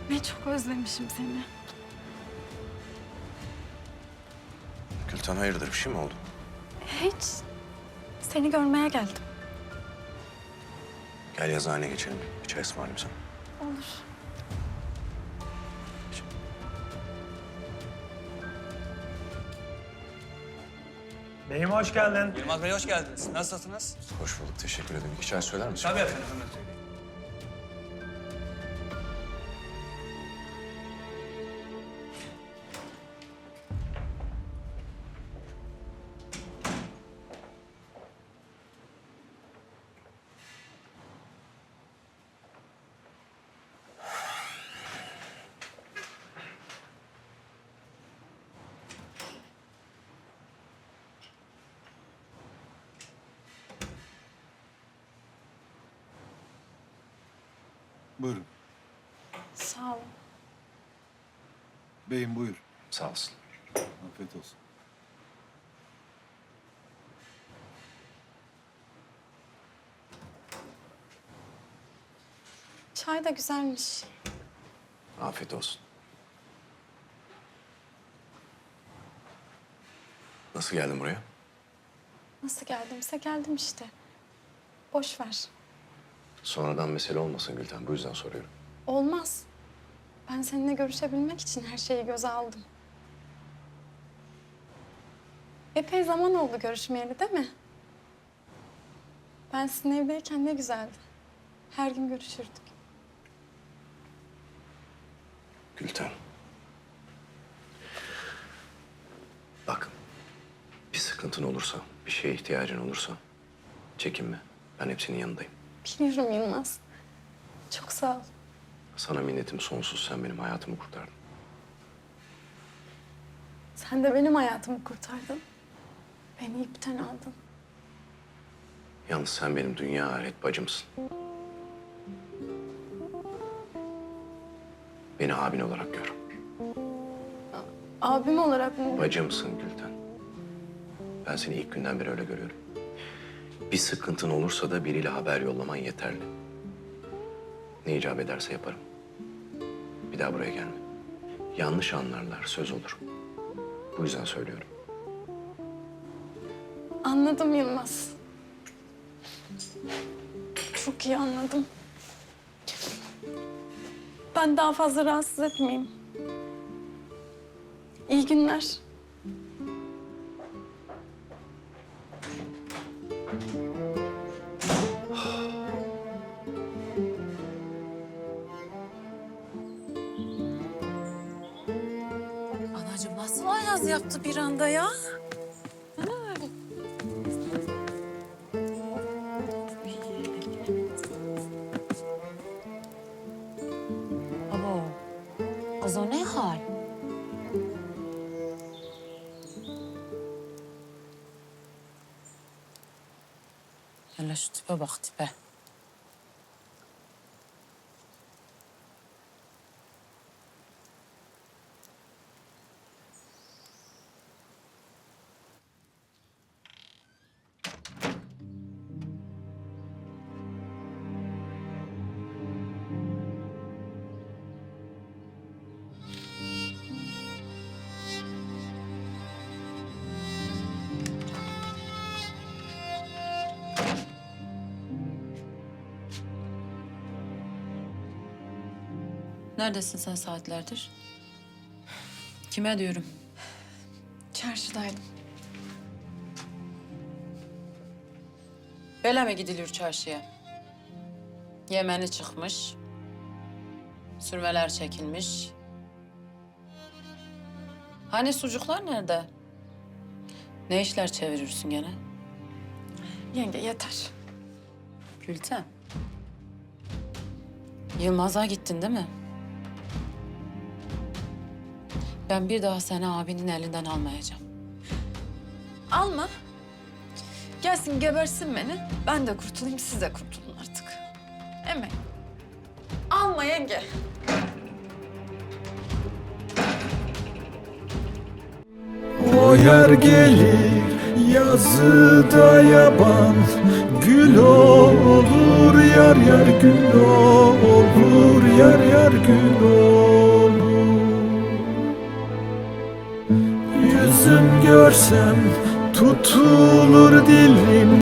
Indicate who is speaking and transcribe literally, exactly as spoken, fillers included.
Speaker 1: Ne çok özlemişim seni.
Speaker 2: Gülten hayırdır, bir şey mi oldu?
Speaker 1: Hiç. Seni görmeye geldim.
Speaker 2: Gel yazıhaneye geçelim. Bir çay ısmarlayayım sana.
Speaker 1: Olur.
Speaker 3: Beyim hoş geldin.
Speaker 4: Yılmaz Bey hoş geldiniz. Nasılsınız?
Speaker 2: Hoş bulduk, teşekkür ederim. İki çay söyler misin?
Speaker 4: Tabii efendim, hemen söyleyeyim.
Speaker 5: Buyurun.
Speaker 1: Sağ ol.
Speaker 5: Beyim buyur.
Speaker 2: Sağ olsun.
Speaker 5: Afiyet olsun.
Speaker 1: Çay da güzelmiş.
Speaker 2: Afiyet olsun. Nasıl geldin buraya?
Speaker 1: Nasıl geldimse geldim işte. Boş ver.
Speaker 2: Sonradan mesele olmasın Gülten, bu yüzden soruyorum.
Speaker 1: Olmaz. Ben seninle görüşebilmek için her şeyi göze aldım. Epey zaman oldu görüşmeyeli, değil mi? Ben sizin evdeyken ne güzeldi. Her gün görüşürdük.
Speaker 2: Gülten. Bak, bir sıkıntın olursa, bir şeye ihtiyacın olursa çekinme. Ben hepsinin yanındayım.
Speaker 1: Biliyorum Yılmaz. Çok sağ ol.
Speaker 2: Sana minnetim sonsuz. Sen benim hayatımı kurtardın.
Speaker 1: Sen de benim hayatımı kurtardın. Beni ipten aldın.
Speaker 2: Yalnız sen benim dünya ahiret bacımsın. Beni abin olarak gör.
Speaker 1: Abim olarak mı?
Speaker 2: Bacımsın Gülten. Ben seni ilk günden beri öyle görüyorum. Bir sıkıntın olursa da biriyle haber yollaman yeterli. Ne icap ederse yaparım. Bir daha buraya gelme. Yanlış anlarlar, söz olur. Bu yüzden söylüyorum.
Speaker 1: Anladım Yılmaz. Çok iyi anladım. Ben daha fazla rahatsız etmeyeyim. İyi günler.
Speaker 6: Anacığım nasıl ayaz yaptı bir anda ya? Abo, kız o ne hal? Hele şu tipe bak tipe. Neredesin sen saatlerdir? Kime diyorum?
Speaker 1: Çarşıdaydım.
Speaker 6: Böyle mi gidilir çarşıya? Yemeni çıkmış. Sürmeler çekilmiş. Hani sucuklar nerede? Ne işler çevirirsin gene?
Speaker 1: Yenge yeter.
Speaker 6: Gülten. Yılmaz'a gittin değil mi? Ben bir daha seni abinin elinden almayacağım.
Speaker 1: Alma. Gelsin gebersin beni. Ben de kurtulayım, siz de kurtulun artık. Eme. Alma yenge.
Speaker 7: O yer gelir yazıda yaban, gül olur yar yar gül olur, yar yar gül olur. Yüzüm görsem tutulur dilim.